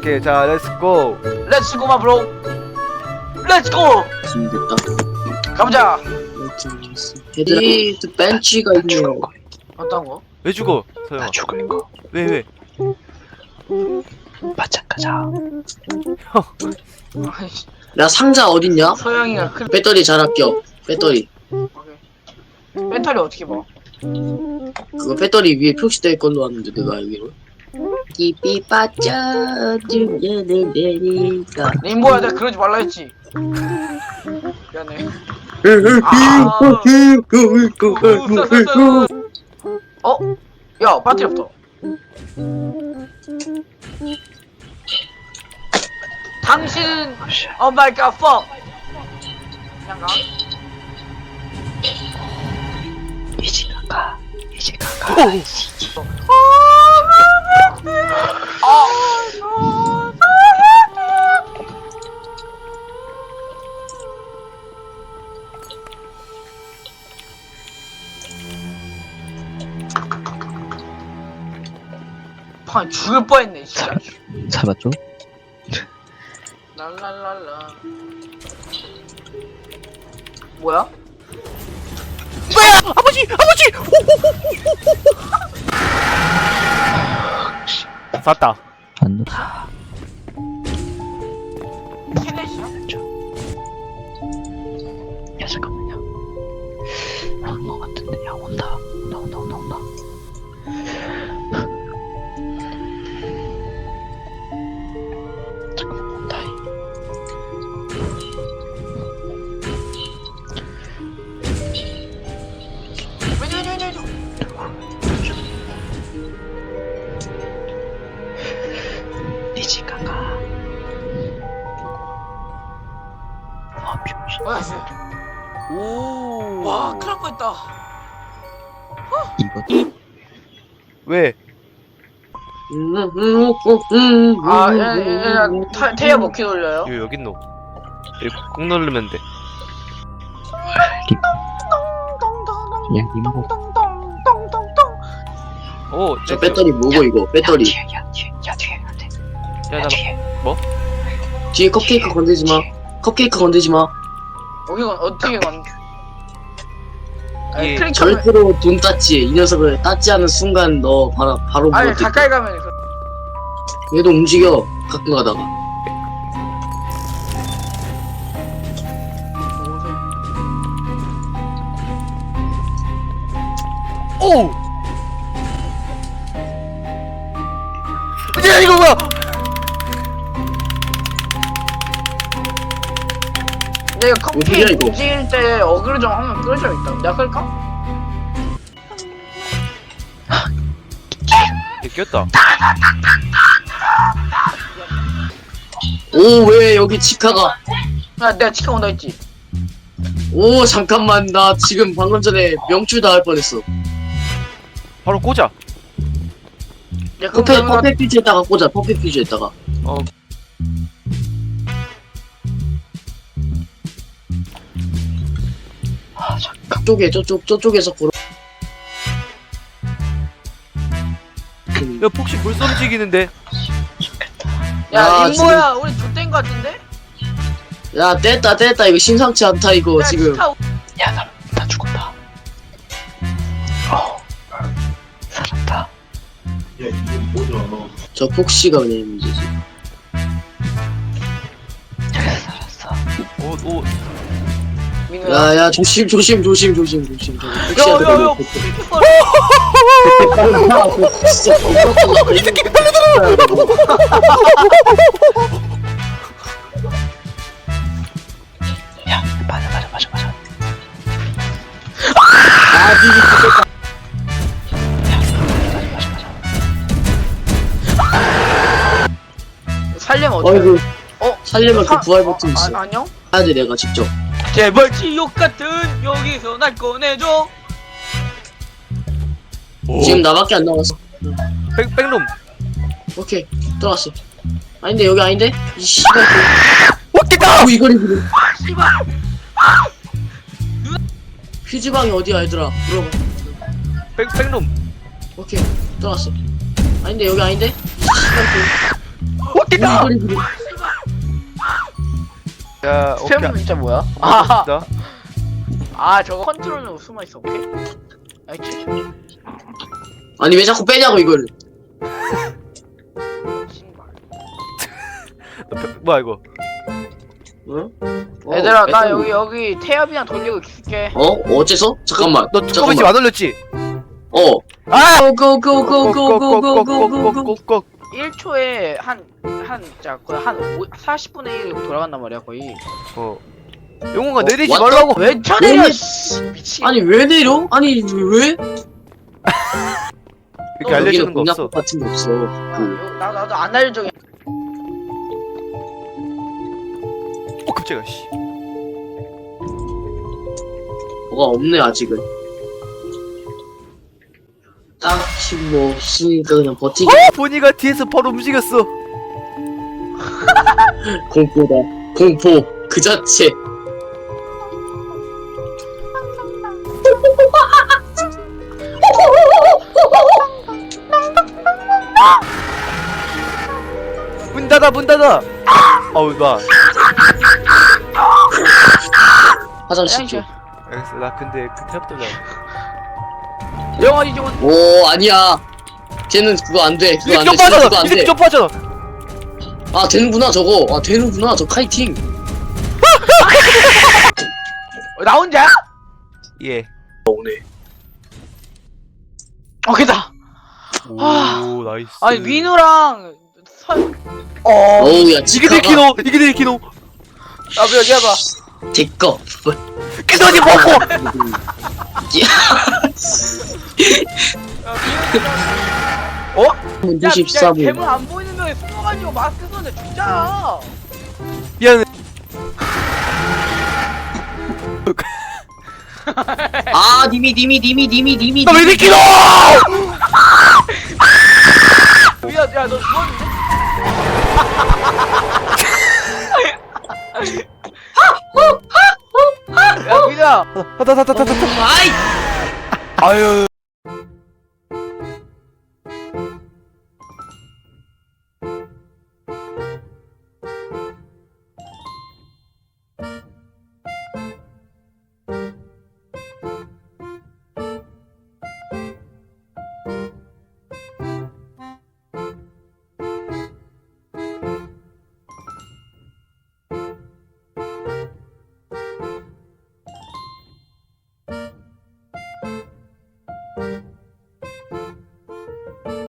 오케이 자 렛츠고. 렛츠고 마 브로. 렛츠고. 지금 됐다. 가보자. 헤드라이트 벤치가 있네요. 어떤 거? 왜 죽어 서영아? 나 죽은 거 왜? 맞짱 가자. 아이씨, 야 상자 어딨냐? 서영이가 큰 배터리 잘 아껴. 배터리. 배터리 어떻게 봐? 그거 배터리 위에 표시되어 있건 왔는데 내가 알기로. 깊이 빠져들려는 내니까. 레인보야 내가 그러지 말라 했지. 미안해. 어? 야 배터리 없다. 당신은 Oh my god fuck. 그냥 가. 이제 가가. 방 죽을 뻔했네 진짜. 잡았죠? 랄랄랄라. 뭐야? 아버지! 쐈다. 안 넣. 캐넷이야? 야 잠깐만요. 나온 거 같은데. 야 온다. 온다. 잠깐만 온다. 왜죠? 이제 가가. 아 병신. 뭐야 씨. 오. 와 큰일 날 뻔했다. 이거 왜? 아야 태야 먹기 돌려요? 이거 여기 있노. 이거 꾹 누르면 돼. 그냥 리모. 오, 저 배터리 뭐고 이거? 배터리. 야 뒤에 안 돼. 야, 나 뭐? 뒤에 컵케이크 건들지 마. 컵케이크 건들지 마. 이건 어떻게 건? 예, 클릭하면 절대로 돈 땄지. 이 녀석을 땄지 않은 순간 너 바로 아니 물어뜯. 가까이 가면 얘도 움직여. 가끔 가다가. 오! 야, 이거 뭐야? 내가 어디야, 컵케이크 이거? 움직일 때 어그로 좀 하면 끌어줘야겠다. 내가 끌까? 얘 꼈다. 오 왜 여기 치카가? 야 내가 치카 온다 했지. 오 잠깐만 나 지금 방금 전에 명출 당할 뻔했어. 바로 꽂아. 내가 퍼펙 퓨즈에다가 꽂아. 퍼펙 퓨즈에다가. 어. 아 잠깐. 저쪽에서 보러. 야, 폭시 벌써 움직이는데? 야 야, 림보야 우리 좆된 거 같은데? 야 뗐다 이거 심상치 않다 이거 야, 지금. 치카 야나 죽었다. 살았다. 저 폭시가 그냥 문제지. 저기서 살았어. 오. 민우야. 야야 조심. 폭시한테 야야야 걸려. 진짜 이 새끼 야 맞아. 아 니가 죽겠다. 살려면 어떡해? 어이구 어? 살려면 그 부활 버튼 있어. 안녕? 해야 돼 내가 직접. 제발 지옥 같은 여기서 날 꺼내줘. 지금 나밖에 안 남았어. 백놈. 오케이 들어갔어. 아닌데 여기 아닌데? 이 씨발. 왔겠다! 이거리 그래. 씨발. 휴지방이 어디야 얘들아? 물어봐. 백놈. 오케이 들어갔어. 아닌데 여기 아닌데? 이 씨발. 웃기다. 야 오케이. 스팸 진짜 뭐야? 아. 아 저거 컨트롤로 숨어 있어. 오케이. 알지? 아니 왜 자꾸 빼냐고 이거를. 신발. 뭐야 이거? 응? 얘들아 나 배터리. 여기 태엽이랑 돌리고 있을게. 어째서? 잠깐만. 너 두꺼비 집안 올렸지? 아! 고고고고고고고고고고. 꼭꼭꼭꼭꼭꼭꼭꼭. 1초에 한 진짜 거의 한 40분의 1 돌아간단 말이야 거의. 영웅아 내리지 왔다? 말라고. 왜 쳐내려? 씨, 미친. 아니 왜 내려? 아니 왜? 이렇게 알려주는 거 공략 없어. 같은 거 없어. 나도 안 알려줘. 깜짝이야 씨. 뭐가 없네 아직은. 딱히 뭐 없으니까 그냥 버티기. 보니가 뒤에서 바로 움직였어. 공포다. 공포 그 자체. 문 닫아 문 닫아. 어우 나. 화장실 좀. 알겠어 나 근데 그 탭 돌려. 영화 이종은 오 아니야. 쟤는 그거 안 돼. 그거 이게 안 돼. 좀 진짜 그거 빠져. 안 이게 돼. 좀 빠져. 아 되는구나 저거. 아 되는구나 저 카이팅. 나 혼자? 예. 오네. 오케이다. 오 나이스. 아니 민우랑 선. 어우 야 이게 지카가 내 키노. 이게 내 키노. 나도 여기 해봐. 제꺼. 키노지 먹고. 문 야, 94분. 괴물 안 보이는 명에 숨어가지고 마스크 썼는데 죽잖아. 미안해. 아 님이. 나왜 내 키노? 미안, 야, 너 죽었는데? 야, 민우야. 타타타타타타. 아이. 아유.